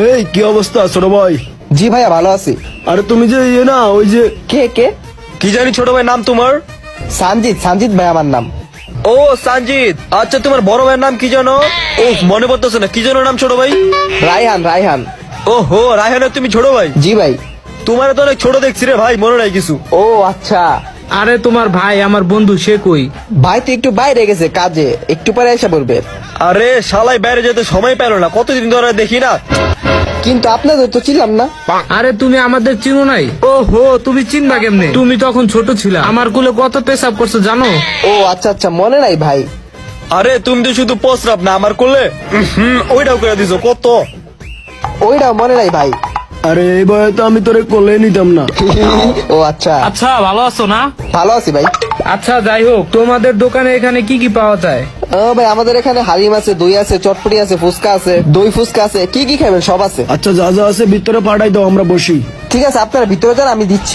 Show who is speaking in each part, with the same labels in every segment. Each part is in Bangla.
Speaker 1: এই কি অবস্থা ছোট ভাই?
Speaker 2: জি ভাইয়া ভালো আছি।
Speaker 1: আরে তুমি যে না ওই যে
Speaker 2: কে কে?
Speaker 3: কি জানি ছোট ভাই নাম তোমার?
Speaker 2: সানজিৎ ভাই আমার নাম।
Speaker 3: ও সঞ্জিত, আচ্ছা তোমার বড় ভাইয়ের নাম কি জানো? ও মনে পড়তেছে না, কি জানো নাম ছোট ভাই?
Speaker 2: রায়হান।
Speaker 3: ও হো, রায়হানের তুমি ছোট ভাই?
Speaker 2: জি ভাই।
Speaker 3: তোমার তো অনেক ছোট দেখছি রে ভাই, মনে নাই কিছু?
Speaker 2: ও আচ্ছা।
Speaker 4: আরে তোমার ভাই আমার বন্ধু, সে কই?
Speaker 2: ভাই তো একটু বাইরে গেছে কাজে, একটু পরে এসে পড়বে।
Speaker 3: আরে শালাই বাইরে যেতে সময় পেল না, কতদিন ধরে দেখি না।
Speaker 2: কিন্তু আপনাদের তো ছিলাম না।
Speaker 4: আরে তুমি আমাদের চিনো নাই? ও হো, তুমি চিনবা কেমনে? তুমি তখন ছোট ছিলা, আমার কুলে কত পেশাব করছো জানো?
Speaker 2: ও আচ্ছা মনে নাই ভাই।
Speaker 3: আরে তুমি তো শুধু প্রস্রাব না আমার করলে ওইটাও করে দিছো কত।
Speaker 2: ওইটাও মনে নাই ভাই।
Speaker 1: আরে এই বয়ে তো আমি তোরে কোলে নিতাম না।
Speaker 2: ও আচ্ছা।
Speaker 4: আচ্ছা ভালো আছো না?
Speaker 2: ভালো আছি ভাই।
Speaker 4: আচ্ছা যাই হোক, তোমাদের দোকানে এখানে কি কি পাওয়া যায়?
Speaker 2: ও ভাই আমাদের এখানে হালিম আছে, দই আছে, চটপটি আছে, ফুচকা আছে, দই ফুচকা আছে, কি কি খাবেন সব আছে।
Speaker 1: আচ্ছা যা যা আছে ভিতরে পাঠাই দাও, আমরা বসি।
Speaker 2: ঠিক আছে আপনারা ভিতরে যান, আমি দিচ্ছি।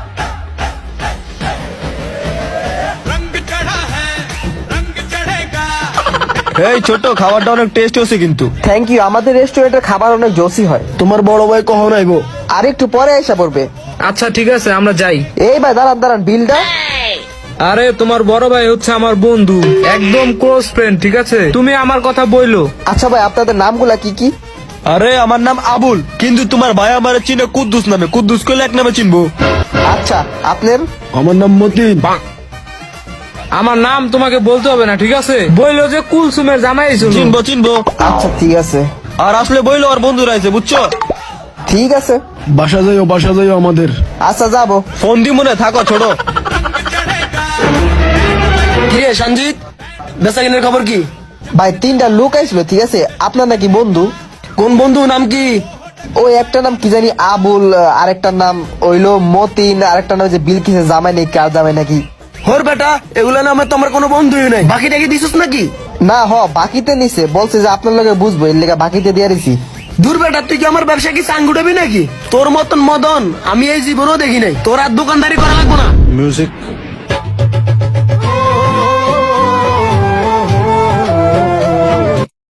Speaker 3: এই ছোট, খাবারটা অনেক টেস্ট হচ্ছে কিন্তু।
Speaker 2: Thank you. আমাদের রেস্টুরেন্টের খাবার অনেক জোসি হয়।
Speaker 1: তোমার বড় ভাই কখন আইবো?
Speaker 2: আর একটু পরে এসে পড়বে।
Speaker 4: আচ্ছা ঠিক আছে, আমরা যাই।
Speaker 2: এই ভাই দাঁড়ান বিলটা।
Speaker 4: আরে তোমার বড় ভাই হচ্ছে আমার বন্ধু, একদম ক্লোজ ফ্রেন্ড, ঠিক আছে? তুমি আমার কথা বইলো।
Speaker 2: আচ্ছা ভাই আপনাদের নামগুলা কি কি?
Speaker 3: আরে আমার নাম আবুল, কিন্তু তোমার ভাই আমার চিনে কুদ্দুস নামে, কুদ্দুস করলে এক নামে চিনবো।
Speaker 2: আচ্ছা আপনার?
Speaker 1: আমার নাম মতিন।
Speaker 4: আমার নাম তোমাকে বলতে হবে না, ঠিক আছে? বইলো যে কুলসুমের জামাই ছিল।
Speaker 3: চিনবো।
Speaker 2: আচ্ছা ঠিক আছে।
Speaker 3: আর আসলে বইলো আর বন্ধুরা আছে, বুঝছো?
Speaker 2: ঠিক আছে।
Speaker 1: বাসা যাইও আমাদের।
Speaker 2: আচ্ছা যাবো।
Speaker 3: ফোন দি মনে থাকো ছোট।
Speaker 1: কিরে সঞ্জিত, বেচাকিনের খবর কি?
Speaker 2: ভাই 3টা লোক আইছিল, ঠিক আছে? আপনার নাকি বন্ধু?
Speaker 1: কোন বন্ধু, নাম কি?
Speaker 2: ওই একটা নাম কি জানি আবুল, আরেকটার নাম হইলো মতিন, আরেকটা নাম যে বিলকিসের জামাই নাকি, কার জামাই নাকি।
Speaker 1: হোর বেটা, এগুলা নামে তো আমার কোনো বন্ধুই নাই। বাকি টাকি দিছিস নাকি?
Speaker 2: না বাকিতে নিছে, বলছে যে আপনার লগে বুঝবো, এর লেগে বাকিতে দিয়ে দিছি।
Speaker 1: দূর বেটা, তুই কি আমার ব্যবসা কি চাঙ্গুটাবি নাকি? তোর মতন মদন আমি এই জীবনেও দেখি নাই। তোর আর দোকানদারি করা লাগবো না।
Speaker 3: মিউজিক